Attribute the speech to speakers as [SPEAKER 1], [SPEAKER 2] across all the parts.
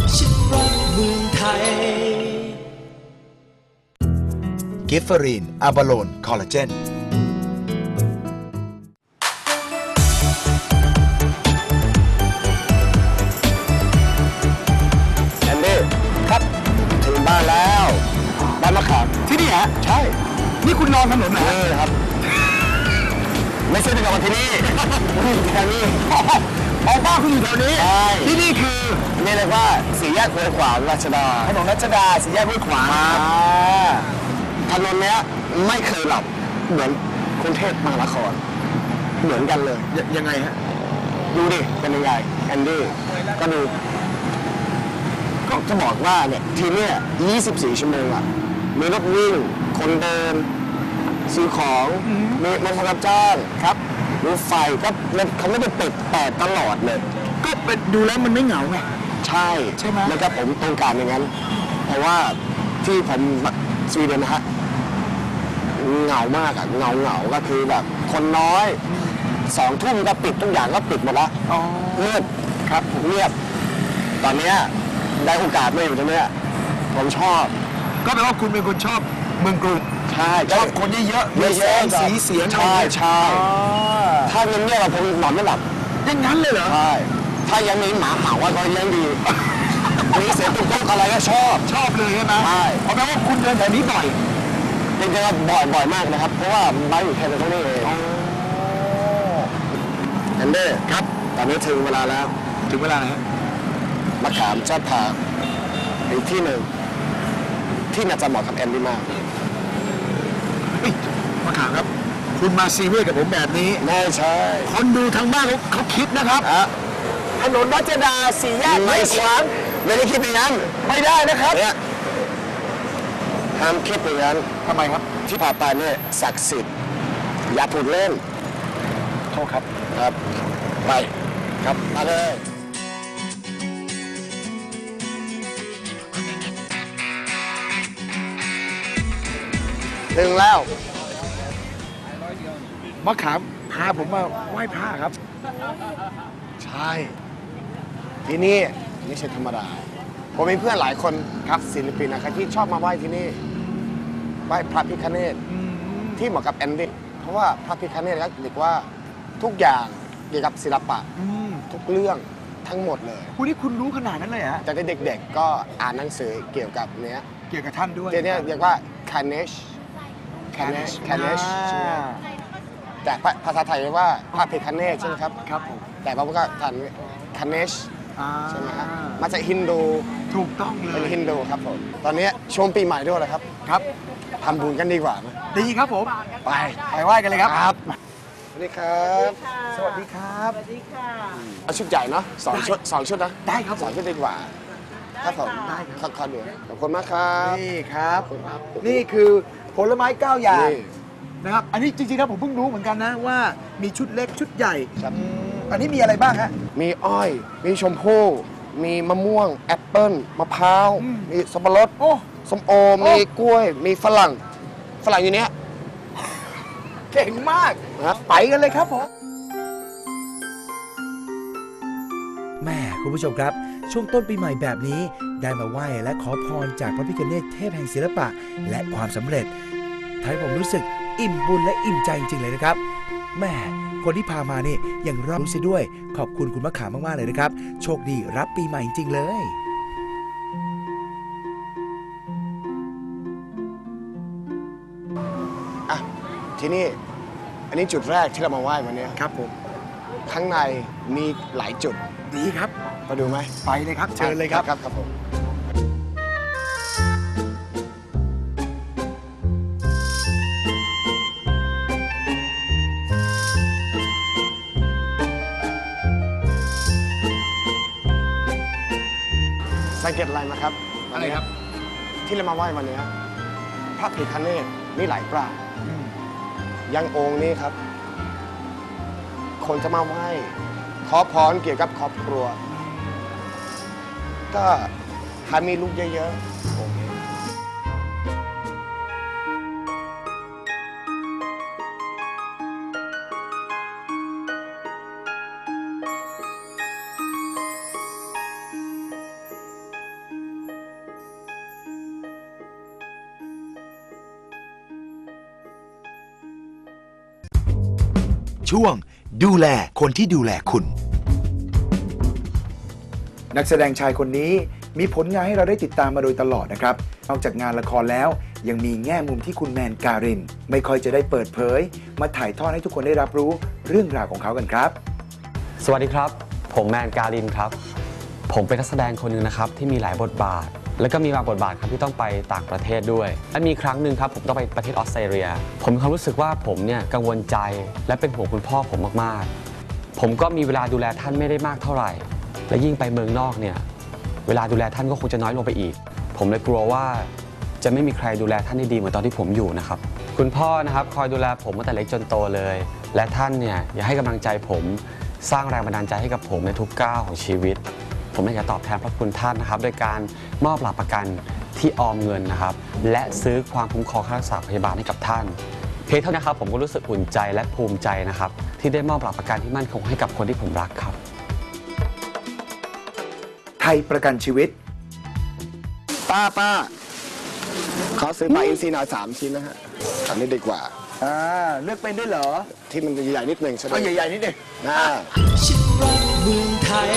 [SPEAKER 1] ฉันรักเมืองไทย
[SPEAKER 2] กิฟเฟอรีนอะบาโลนคอลลาเจน
[SPEAKER 3] แอนดี้ครับถึงบ้านแล้วบ้านมะขามที่นี่ฮะใช่นี่คุณนอนถนนไหนครับไม่ใช่เป็นกับที่นี่แค่นี้บ้านคุณอยู่แถวนี้ที่นี่คือนี่เรียกว่าสี่แยกห้วยขวางรัชดาถนนรัชดาสี่แยกห้วยขวางถนนเนี้ยไม่เคยหลับเหมือนกรุงเทพมหานครเหมือนกันเลยยังไงฮะดูดิเป็นยังไงแอนดี้ก็ดูก็จะบอกว่าเนี่ยทีนี้24 ชั่วโมงอะมีรถวิ่งคนเดินซื้อของมีรถรับจ้างครับรถไฟก็เขาไม่ได้ปิดแต่ตลอดเลยก็เป็นดูแล้วมันไม่เหงาไงใช่ไหมแล้วก็ผมต้องการอย่างนั้นเพราะว่าที่ผมสวีเดนนะฮะเหงามากอะเหงาก็คือแบบคนน้อย2 ทุ่มก็ปิดทุกอย่างก็ปิดหมดละเงียบครับเงียบตอนนี้ได้โอกาสมาอยู่ตรงนี้ผมชอบก็แปลว่าคุณเป็นคนชอบเมืองกรุงใช่ชอบคนเยอะๆมีแสงสีเสียงใช่ถ้าเงียบๆผมนอนไม่หลับอย่างนั้นเลยเหรอใช่ถ้ายังมีหมาเห่าว่าก็ยังดีมีเสียงตุ๊กอะไรก็ชอบเลยใช่ไหมใช่เพราะแปลว่าคุณเดินแถวนี้บ่อยจริงๆบ่อยมากนะครับเพราะว่าบ้านอยู่แค่ตรงนี้เองแอนเดอร์ครับตอนนี้ถึงเวลาแล้วถึงเวลาแล้วมะขามจะพาอีกที่หนึ่งที่น่าจะเหมาะกับแอนดี้มากมะขามครับคุณมาซีเรียสกับผมแบบนี้ไม่ใช่คนดูทางบ้านเขาคิดนะครับถนนรัชดาสี่แยกไม่ขวางไม่ได้คิดอย่างนั้นไม่ได้นะครับห้ามคิดอย่างนั้นทำไมครับที่ผ่านไปเนี่ยศักดิ์สิทธิ์อย่าพูดเล่นโทษครับไปครับมาเลยถึงแล้วมะขามพาผมมาไหว้พระครับใช่ที่นี่ไม่ใช่ธรรมดาผมมีเพื่อนหลายคนครับศิลปินนะครับที่ชอบมาไหว้ที่นี่ไหว้พระพิฆเนศที่เหมาะกับแอนดี้เพราะว่าพระพิฆเนศก็เรียกว่าทุกอย่างเกี่ยวกับศิลปะทุกเรื่องทั้งหมดเลยคุณนี่คุณรู้ขนาดนั้นเลยฮะแต่เด็กๆก็อ่านหนังสือเกี่ยวกับเนี้ยเกี่ยวกับท่านด้วยเนี้ยเรียกว่าคาเนชแต่ภาษาไทยเรียกว่าพระพิฆเนศใช่ไหมครับครับผมแต่พระพุทธท่านคาเนชใช่ไหมครับมาจากฮินดูถูกต้องเลยเป็นฮินดูครับผมตอนนี้ช่วงปีใหม่ด้วยเลยครับทำบุญกันดีกว่าดีครับผมไปไหว้กันเลยครับสวัสดีครับสวัสดีครับสวัสดีค่ะเอาชุดใหญ่เนาะ2 ชุดนะได้ครับ2 ชุดดีกว่าครับผมได้ครับขอบคุณมากครับนี่ครับนี่คือผลไม้9 อย่างนะครับอันนี้จริงๆแล้วผมเพิ่งรู้เหมือนกันนะว่ามีชุดเล็กชุดใหญ่อันนี้มีอะไรบ้างฮะมีอ้อยมีชมพู่มีมะม่วงแอปเปิ้ลมะพร้าวมีสับปะรดส้มโอมีกล้วยมีฝรั่งอยู่เนี้ยเก่งมากไปกันเลยครับผม
[SPEAKER 4] แม่คุณผู้ชมครับช่วงต้นปีใหม่แบบนี้ได้มาไหว้และขอพรจากพระพิฆเนศเทพแห่งศิลปะและความสำเร็จทำให้ผมรู้สึกอิ่มบุญและอิ่มใจจริงๆเลยนะครับแม่คนที่พามานี่ยังรู้สึกด้วยขอบคุณคุณมะขามมากๆเลยนะครับโชคดีรับปีใหม่จริงๆเลย
[SPEAKER 3] ที่นี่อันนี้จุดแรกที่เรามาไหว้วันนี้ครับผมข้างในมีหลายจุดดีครับมาดูไหมไปเลยครับเชิญเลยครับครับผมสังเกตอะไรมาครับอะไรครับที่เรามาไหว้วันนี้พระพิฆเนศมีหลายปรางยังองค์นี้ครับคนจะมาไหว้ขอพรเกี่ยวกับครอบครัวก็ถ้ามีลูกเยอะๆองค์นี้
[SPEAKER 2] ช่วงดูแลคนที่ดูแลคุณ
[SPEAKER 4] นักแสดงชายคนนี้มีผลงานให้เราได้ติดตามมาโดยตลอดนะครับนอกจากงานละครแล้วยังมีแง่มุมที่คุณแมนการินไม่ค่อยจะได้เปิดเผยมาถ่ายทอดให้ทุกคนได้รับรู้เรื่องราวของเขากันครับ
[SPEAKER 5] สวัสดีครับผมแมนการินครับผมเป็นนักแสดงคนหนึ่งนะครับที่มีหลายบทบาทแล้วก็มีบางบทบาทครับที่ต้องไปต่างประเทศด้วยและมีครั้งหนึ่งครับผมต้องไปประเทศออสเตรเลียผมมีความรู้สึกว่าผมเนี่ยกังวลใจและเป็นห่วงคุณพ่อผมมากๆผมก็มีเวลาดูแลท่านไม่ได้มากเท่าไหร่และยิ่งไปเมืองนอกเนี่ยเวลาดูแลท่านก็คงจะน้อยลงไปอีกผมเลยกลัวว่าจะไม่มีใครดูแลท่านได้ดีเหมือนตอนที่ผมอยู่นะครับคุณพ่อนะครับคอยดูแลผมตั้งแต่เล็กจนโตเลยและท่านเนี่ยอยากให้กำลังใจผมสร้างแรงบันดาลใจให้กับผมในทุกก้าวของชีวิตผมอยากจะตอบแทนพระคุณท่านนะครับโดยการมอบหลักประกันที่ออมเงินนะครับและซื้อความคุ้มครองค่ารักษาพยาบาลให้กับท่านเพียงเท่านี้ครับผมก็รู้สึกอุ่นใจและภูมิใจนะครับที่ได้มอบหลักประกันที่มั่นคงให้กับคนที่ผมรักครับ
[SPEAKER 4] ไทยประกันชีวิต
[SPEAKER 3] ป้าขอซื้อปลาอินทรีหน่อย3 ชิ้นนะฮะอันนี้ดีกว่า
[SPEAKER 4] เลือกเป็นด้วยเหรอ
[SPEAKER 3] ที่มันใหญ่ๆนิดหนึ่งใช่ไหม
[SPEAKER 4] ใหญ่ๆนิดหนึ่ง
[SPEAKER 1] ฉันรักเมืองไทย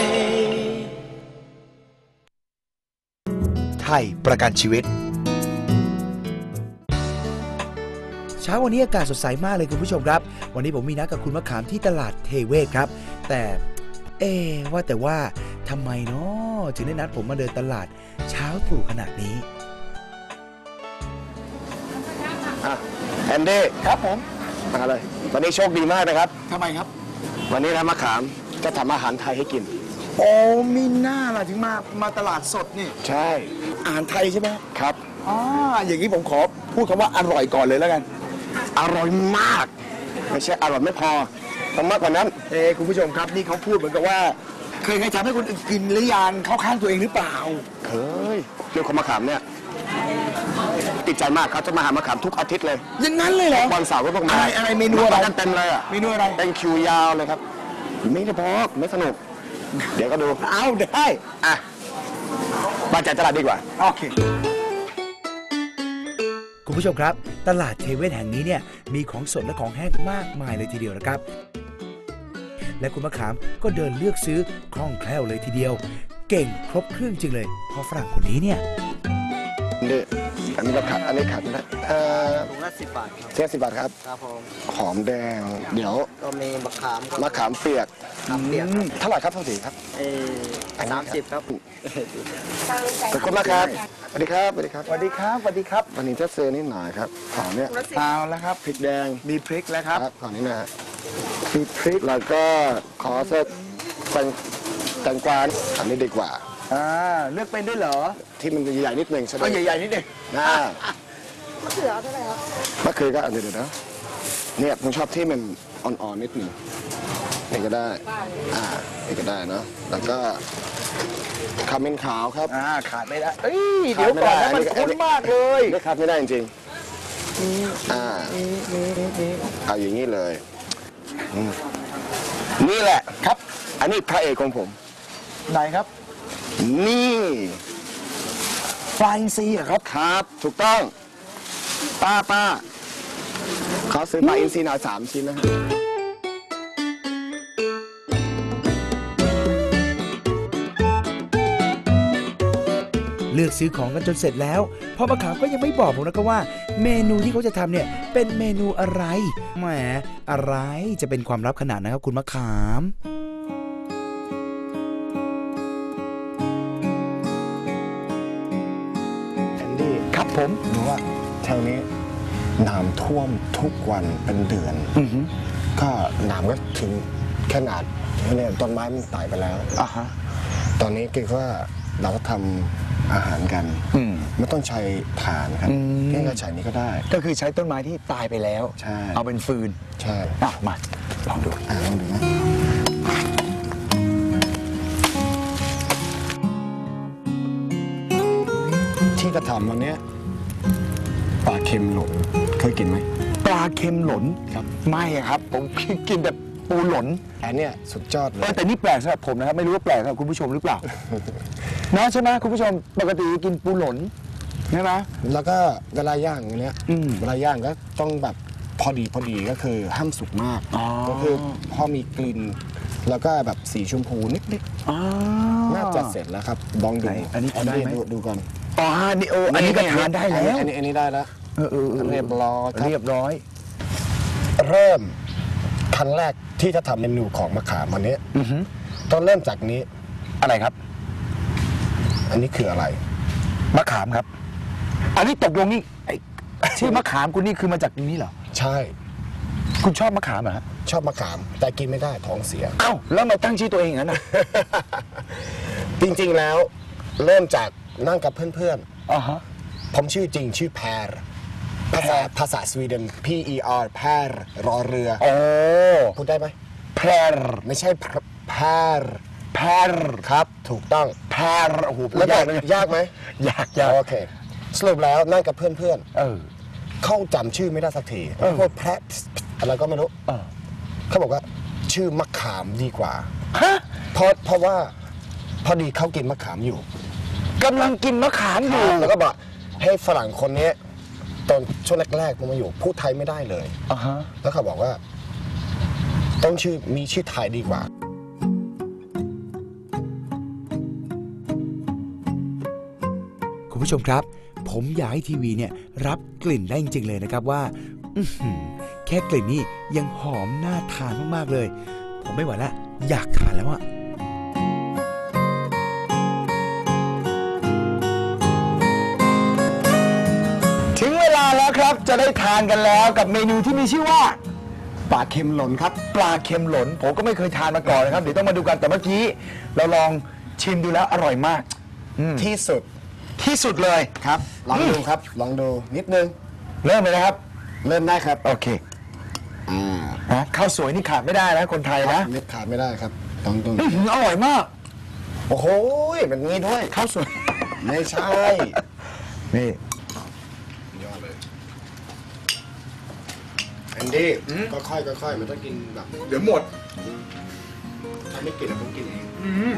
[SPEAKER 2] ไทยประกันชีวิต
[SPEAKER 4] เช้าวันนี้อากาศสดใสมากเลยคุณผู้ชมครับวันนี้ผมมีนัดกับคุณมะขามที่ตลาดเทเวศครับแต่ว่าทำไมเนาะถึงได้นัดผมมาเดินตลาดเช้าตรู่ขนาดนี้
[SPEAKER 3] แอนดี้
[SPEAKER 4] ครับผม
[SPEAKER 3] มาเลยวันนี้โชคดีมากนะครับ
[SPEAKER 4] ทำไมครับ
[SPEAKER 3] วันนี้นะมะขามจะทำอาหารไทยให้กิน
[SPEAKER 4] โอ้มีหน้าล่ะถึงมาตลาดสดนี่
[SPEAKER 3] ใช่
[SPEAKER 4] อาหารไทยใช่ไหม
[SPEAKER 3] ครับ
[SPEAKER 4] อย่างนี้ผมขอพูดคำว่าอร่อยก่อนเลยแล้วกัน
[SPEAKER 3] อร่อยมากไม่ใช่อร่อยไม่พอต้องมากกว่านั้น
[SPEAKER 4] คุณผู้ชมครับนี่เขาพูดเหมือนกับว่าเคยทำให้คนอื่นกินหรือยังเข้าข้างตัวเองหรือเปล่า
[SPEAKER 3] เคยเรื่องของมะขามเนี่ยติดใจมากเขาจะมาหามะขามทุกอาทิตย์เลย
[SPEAKER 4] อย่างนั้นเลยเหรอ
[SPEAKER 3] วันเสาร์ก็ต้องมา
[SPEAKER 4] อะไรเมนูอะไร
[SPEAKER 3] กันเต็มเลย
[SPEAKER 4] เมนูอะไร
[SPEAKER 3] เป็นคิวยาวเลยครับไม่ได้พอไม่สนุกเดี๋ยวก็ดู
[SPEAKER 4] เอาได้
[SPEAKER 3] มาจ่ายตลาดดีกว่า
[SPEAKER 4] โอเคคุณผู้ชมครับตลาดเทเวศแห่งนี้เนี่ยมีของสดและของแห้งมากมายเลยทีเดียวนะครับและคุณมะขามก็เดินเลือกซื้อคล่องแคล่วเลยทีเดียวเก่งครบเครื่องจริงเลยพอฝรั่งคนนี้เนี่ย
[SPEAKER 3] นี่อันนี้ก็ขาดอันนี้ขาดนะ
[SPEAKER 6] ถุงละ10 บาท
[SPEAKER 3] ครับ10 บาทครับ
[SPEAKER 6] ครับผม
[SPEAKER 3] หอมแดงเดี๋ยว
[SPEAKER 6] ก็มีมะขาม
[SPEAKER 3] เปียกเท่าไหร่ครับเท่าไหร่ครับ
[SPEAKER 6] 30ครับ
[SPEAKER 3] ขอบคุณมากครับสวัสดีครับสวัสดีครับ
[SPEAKER 4] สวัสดีครับสวัสดีครับ
[SPEAKER 3] วันนี้จะซื้อนิดหน่อยครับของเนี่ย
[SPEAKER 4] เอาแล้วครับ
[SPEAKER 3] พริกแดง
[SPEAKER 4] มีพริกแล้วครับ
[SPEAKER 3] ของนี้นะฮะมีพริกแล้วก็ขอเส้นแตงกวาอันนี้ดีกว่า
[SPEAKER 4] เลือกเป็นด้วยเหรอ
[SPEAKER 3] ที่มันใหญ่ๆนิดหนึ่งใช่ไหม
[SPEAKER 4] ใหญ่ๆนิดหนึ่ง
[SPEAKER 6] มะเขือเท่าไหร่ครับ
[SPEAKER 3] มะเขือก็เดี๋ยวนะเนี่ยผมชอบที่มันอ่อนๆนิดหนึ่งนี่ก็ได้นี่ก็ได้เนาะแล้วก็ขมิ้นขาวครับ
[SPEAKER 4] ขาดไม่ได้เดี๋ยวก่อนนะมันคุ้นมากเลย
[SPEAKER 3] ไม่ขาดไม่ได้จริงเอาอย่างนี้เลยนี่แหละ
[SPEAKER 4] ครับ
[SPEAKER 3] อันนี้พระเอกของผม
[SPEAKER 4] ไหนครับ
[SPEAKER 3] นี่
[SPEAKER 4] ปลาอินทรีย์
[SPEAKER 3] ครับถูกต้องป้าขอซื้อปลาอินทรีหน่อย3 ชิ้นนะฮะ
[SPEAKER 4] เลือกซื้อของกันจนเสร็จแล้วพ่อมะขามก็ยังไม่บอกผมนะครับว่าเมนูที่เขาจะทำเนี่ยเป็นเมนูอะไรแหมอะไรจะเป็นความลับขนาดนั้นครับคุณมะขาม
[SPEAKER 3] ผมรู้ว่าแถวนี้น้ำท่วมทุกวันเป็นเดือนก็น้ำก็ถึงขนาดเนี่ยต้นไม้มันตายไปแล้วตอนนี้คิดว่าเราก็ทำอาหารกันไม่ต้องใช้ถ่านครับแค่ใช้นี้ก็ได้
[SPEAKER 4] ก็คือใช้ต้นไม้ที่ตายไปแล้ว
[SPEAKER 3] ใช่
[SPEAKER 4] เอาเป็นฟืน
[SPEAKER 3] ใช่
[SPEAKER 4] มาลองดู
[SPEAKER 3] นะที่กระทำวันนี้ปลาเค็มหลนเคยกินไหม
[SPEAKER 4] ปลาเค็มหลน
[SPEAKER 3] ครับ
[SPEAKER 4] ไม่ครับผมกินแบบปูหลน
[SPEAKER 3] อันนี้สุดยอดเลย
[SPEAKER 4] แต่นี่แปลกสำหรับผมนะครับไม่รู้ว่าแปลกสำหรับคุณผู้ชมหรือเปล่านะใช่ไหมคุณผู้ชมปกติกินปูหลนใช่ไหม
[SPEAKER 3] แล้วก็เวลาย่างอย่างเนี้ยเวลาย่างก็ต้องแบบพอดีก็คือห้ามสุกมากก็คือพอมีกลิ่นแล้วก็แบบสีชมพูนิดๆน่าจะเสร็จแล้วครับลองดู
[SPEAKER 4] อันนี้ได้ไหม
[SPEAKER 3] ดูก่อน
[SPEAKER 4] อ๋อนี่อันนี้ก็ทานได้แล้ว
[SPEAKER 3] อันนี้ได้แล้วเรียบร้อยครับ
[SPEAKER 4] เรียบร้อย
[SPEAKER 3] เริ่มขั้นแรกที่จะทำเมนูของมะขามวันนี้ต้องเริ่มจากนี้
[SPEAKER 4] อะไรครับ
[SPEAKER 3] อันนี้คืออะไร
[SPEAKER 4] มะขามครับ อันนี้ตกลงนี่ชื่อมะขามคุณนี่คือมาจากนี้เหรอ
[SPEAKER 3] ใช่
[SPEAKER 4] คุณชอบมะขามเหรอฮะ
[SPEAKER 3] ชอบมะขามแต่กินไม่ได้ท้องเสีย
[SPEAKER 4] เอ้าแล้วมาตั้งชื่อตัวเองอย่างนั้นนะ
[SPEAKER 3] จริงๆแล้วเริ่มจากนั่งกับเพื่อน
[SPEAKER 4] อ๋อฮะ
[SPEAKER 3] ๆผมชื่อจริงชื่อแพรภาษาสวีเดน P-E-R แพรรอเรือ
[SPEAKER 4] โอ้
[SPEAKER 3] พูดได้ไหม
[SPEAKER 4] แพร
[SPEAKER 3] ไม่ใช่แพร
[SPEAKER 4] แพร
[SPEAKER 3] ครับ ถูกต้อง
[SPEAKER 4] แพรโอ้โหพู
[SPEAKER 3] แล้
[SPEAKER 4] ด
[SPEAKER 3] วย
[SPEAKER 4] ากเลย
[SPEAKER 3] ยากไหม
[SPEAKER 4] ยาก
[SPEAKER 3] โอเค สรุปแล้วนั่งกับเพื่อน
[SPEAKER 4] เออ
[SPEAKER 3] ๆเขาจำชื่อไม่ได้สักทีพวกแพรอะไรก็ไม่รู้
[SPEAKER 4] เออ
[SPEAKER 3] เขาบอกว่าชื่อมะขามดีกว่า
[SPEAKER 4] ฮะ
[SPEAKER 3] เพราะว่าพอดีเขากินมะขามอยู่
[SPEAKER 4] กำลังกินมะขามอยู่
[SPEAKER 3] แล้วก็บอกให้ฝรั่งคนนี้ตอนช่วงแรกๆมาอยู่พูดไทยไม่ได้เลย
[SPEAKER 4] อ่าฮะ
[SPEAKER 3] แล้วเขาบอกว่าต้องมีชื่อไทยดีกว่า
[SPEAKER 4] คุณผู้ชมครับ ผมอยากให้ทีวีเนี่ยรับกลิ่นได้จริงๆเลยนะครับว่าแค่กลิ่นนี่ยังหอมน่าทานมากๆเลย ผมไม่ไหวละอยากทานแล้วอะ ถึงเวลาแล้วครับจะได้ทานกันแล้วกับเมนูที่มีชื่อว่า
[SPEAKER 3] ปลาเค็มหล่นครับ
[SPEAKER 4] ปลาเค็มหลนผมก็ไม่เคยทานมาก่อนนะครับเดี๋ยวต้องมาดูกันแต่เมื่อกี้เราลองชิมดูแล้วอร่อยมาก
[SPEAKER 3] ที่สุด
[SPEAKER 4] ที่สุดเลย
[SPEAKER 3] ครับลองดูครับลองดูนิดนึง
[SPEAKER 4] เริ่มเลยนะครับ
[SPEAKER 3] เริ่มได้ครับ
[SPEAKER 4] โอเคนะข้าวสวยนี่ขาดไม่ได้นะคนไทยนะ
[SPEAKER 3] เม็ดขาดไม่ได้ครับต้อง
[SPEAKER 4] อร่อยมาก
[SPEAKER 3] โอ้โหแบบนี้ด้วย
[SPEAKER 4] ข้าวสวย
[SPEAKER 3] ไม่ใช่
[SPEAKER 4] นี่
[SPEAKER 3] ยอดเลยแอนดี้ก็ค่อยมันต้องกินแบบเดี๋ยวหมดถ้าไม่กินผมกินเอง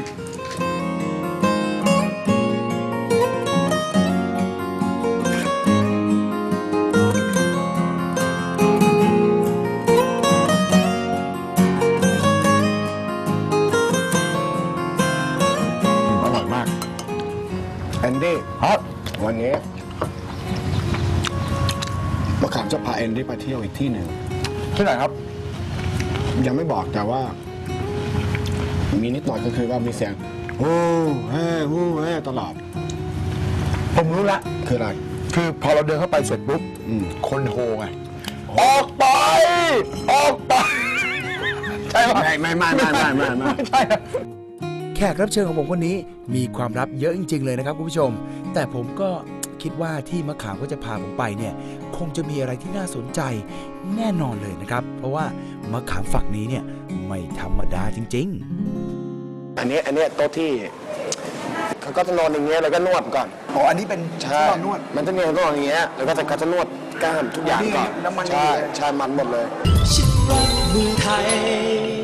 [SPEAKER 3] อร่อยมากแอนดี้
[SPEAKER 4] ครับ
[SPEAKER 3] วันนี้มะขามจะพาแอนดี้ไปเที่ยวอีกที่หนึ่ง
[SPEAKER 4] ที่ไหนครับ
[SPEAKER 3] ยังไม่บอกแต่ว่า มีนิดหน่อยก็คือว่ามีเสียงโอ้เฮ้โอ้เฮ้ตลอด
[SPEAKER 4] ผมรู้ละ
[SPEAKER 3] คืออะไร
[SPEAKER 4] คือพอเราเดินเข้าไปเสร็จปุ๊บ คนโฮไงออกไปออกไปใช่ไหม
[SPEAKER 3] ไม่
[SPEAKER 4] ไม่ใช่นะแขกรับเชิญของผมคนนี้มีความลับเยอะจริงๆเลยนะครับคุณผู้ชม แต่ผมก็คิดว่าที่มะขามก็จะพาผมไปเนี่ยคงจะมีอะไรที่น่าสนใจแน่นอนเลยนะครับ เพราะว่ามะขามฝักนี้เนี่ยไม่ธรรมดาจริงๆ
[SPEAKER 3] อันนี้โต๊ะที่เขาก็จะนอนอย่างเงี้ยแล้วก็นวดก่อน
[SPEAKER 4] อ๋ออันนี้เป็น
[SPEAKER 3] ใช่นวดมันจะมีนวดอย่างเงี้ยแล้วก็เขาจะนวดกล้ามทุกอย่างก่อน
[SPEAKER 4] น้ำมัน
[SPEAKER 3] ใช่มันหมดเลย
[SPEAKER 1] ฉันรักเมืองไทย